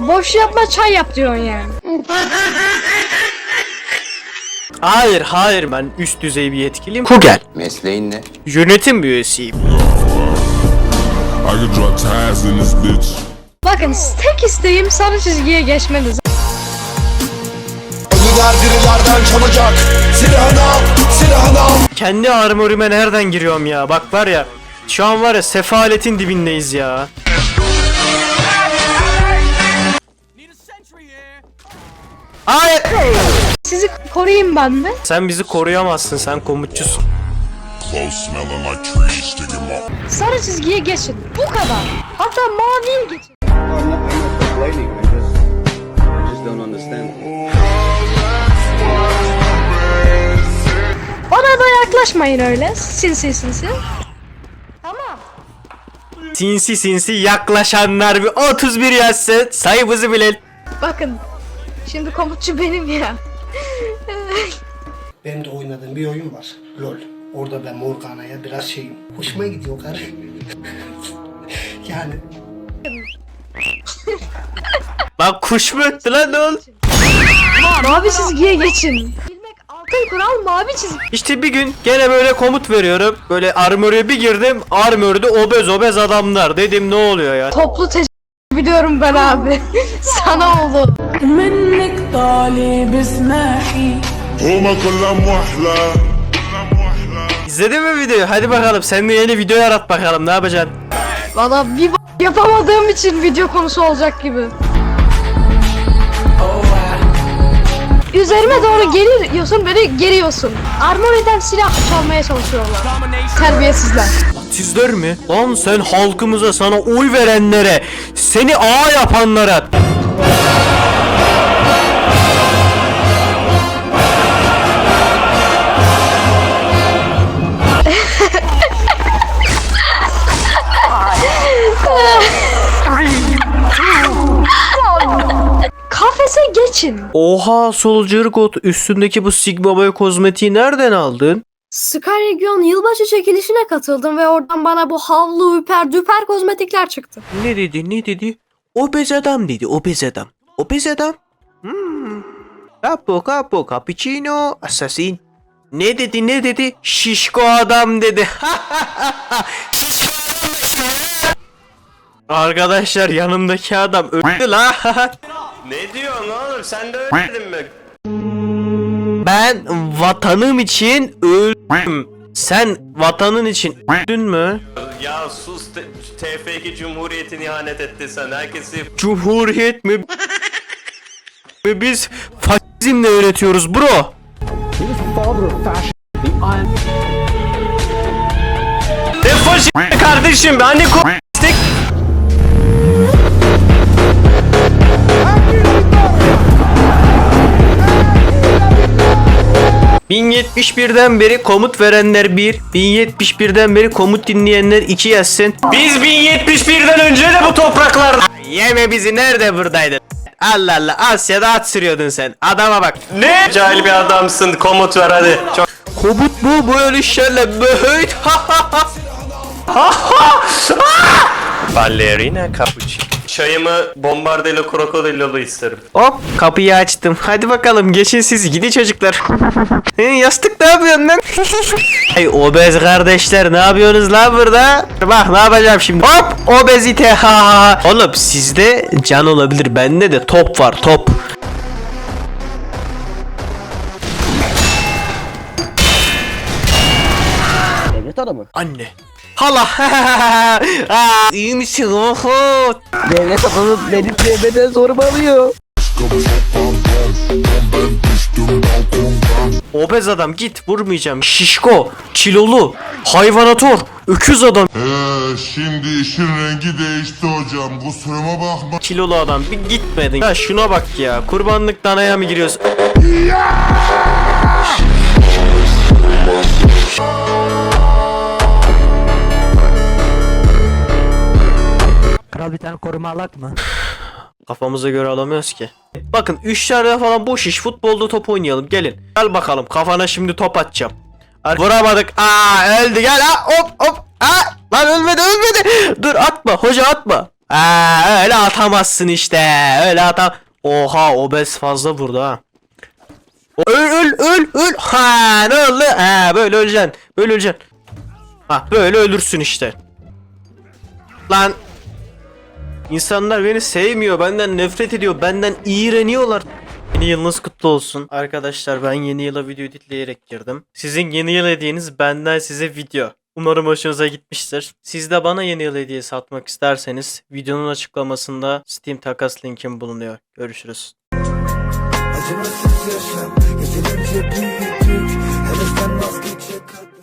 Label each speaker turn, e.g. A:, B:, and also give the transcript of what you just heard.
A: Boş yapma, çay yap diyorsun yani.
B: Hayır ben üst düzey bir yetkiliyim. Kugel.
C: Mesleğin ne?
B: Yönetim üyesiyim.
A: Bakın tek isteğim sarı çizgiye geçmeniz.
D: Birilerden çalacak. Silahını al.
B: Kendi armorime nereden giriyorum ya? Bak var ya. Şu an var ya sefaletin dibindeyiz ya. Hayır.
A: Sizi koruyayım ben mi?
B: Sen bizi koruyamazsın, sen komutçusun.
A: Sarı çizgiye geçin. Bu kadar. Hatta maviye geçin. Bana da yaklaşmayın öyle. Sinsi. Tamam.
B: Sinsi yaklaşanlar bir 31 yazsın. Sayımızı bilelim.
A: Bakın. Şimdi komutçu benim ya.
E: Benim de oynadığım bir oyun var. LOL. Orada ben Morgana'ya biraz şeyim. Hoşuma gidiyor karı. Yani.
B: Lan kuş mu öttü lan, ne oldu?
A: Mavi çizgiye geçin. Bilmek altın kural, mavi çizgi.
B: İşte bir gün gene böyle komut veriyorum. Böyle armor'a bir girdim. Armor'da obez adamlar. Dedim ne oluyor ya?
A: Toplu biliyorum ben abi. Sana oldu.
F: منك طالب اسمحي
D: Huma kullam muhla.
B: İzledin mi videoyu? Hadi bakalım sen de yeni video yarat bakalım, ne yapacaksın?
A: Valla bir yapamadığım için video konusu olacak gibi. Üzerime doğru geliyorsun, böyle geriyorsun. Armoriden silah çalmaya çalışıyorlar. Terbiyesizler.
B: Sizler mi? Lan sen halkımıza, sana oy verenlere, seni ağa yapanlara.
A: Kafese geçin.
B: Oha Soldier God, üstündeki bu Sigma Boy kozmetiği nereden aldın?
A: Sky Region yılbaşı çekilişine katıldım ve oradan bana bu havlu, üper, düper kozmetikler çıktı.
B: Ne dedi? Obez adam dedi, obez adam. Obez adam? Capo, cappuccino, assassin. Ne dedi? Şişko adam dedi. Şişko adam işte. Arkadaşlar yanımdaki adam öldü la.
C: Ne diyorsun oğlum? Sen de ölmedin mi?
B: Ben vatanım için öldüm. Sen vatanın için öldün mü?
C: Ya sus, TF2 Cumhuriyeti'ne ihanet etti sen. Herkesi...
B: Cumhuriyet mi? Biz faşizmle öğretiyoruz bro. Ne faşist kardeşim, hani ko***stik. ...1071'den beri komut verenler 1, 1071'den beri komut dinleyenler 2 yazsın. Biz 1071'den önce de bu topraklarda... Yeme bizi, nerede buradaydın? Allah Allah, Asya'da at sürüyordun sen. Adama bak. Ne?
C: Cahil bir adamsın, komut ver hadi. Çok...
B: Komut mu böyle işlerle böyt?
C: Ballerina cappuccino. Çayımı bombardelo krokodilolu isterim.
B: Hop, kapıyı açtım. Hadi bakalım geçin siz, gidi çocuklar. Yastık ne yapıyorsun lan? Hey obez kardeşler, ne yapıyorsunuz lan burada? Bak ne yapacağım şimdi. Hop, obezite ha. Oğlum sizde can olabilir, bende de top var, top.
G: Devlet adamı.
B: Anne. Hala. Aa, iyi misin? Oho.
G: Devlet adamı benim cebimden zorbalıyor.
B: Obez adam git, vurmayacağım. Şişko, kilolu, hayvanatör, öküz adam.
D: Şimdi işin rengi değişti hocam. Kusuruma bakma.
B: Kilolu adam bir gitmedin. Ya şuna bak ya, kurbanlık danaya mı giriyorsun?
G: Kral bir tane koruma alak mı?
B: Kafamıza göre alamıyoruz ki. Bakın 3 tane falan boş iş, futbolda top oynayalım, gelin. Gel bakalım, kafana şimdi top atacağım. Vuramadık. Aa öldü, gel ha, hop. Aa lan ölmedi. Dur atma hoca, atma. Öyle atamazsın işte. Öyle atam. Oha obez fazla vurdu ha. Öl. Ha ne oldu? Ha böyle öleceksin. Böyle öleceksin. Ha böyle ölürsün işte. Lan. İnsanlar beni sevmiyor. Benden nefret ediyor. Benden iğreniyorlar. Yeni yılınız kutlu olsun. Arkadaşlar ben yeni yıla video editleyerek girdim. Sizin yeni yıl hediyeniz benden size video. Umarım hoşunuza gitmiştir. Siz de bana yeni yıl hediyesi atmak isterseniz videonun açıklamasında Steam takas linkim bulunuyor. Görüşürüz.
H: Acımasız yaşam yeterince büyüdük. Hele sen vazgeçe kadar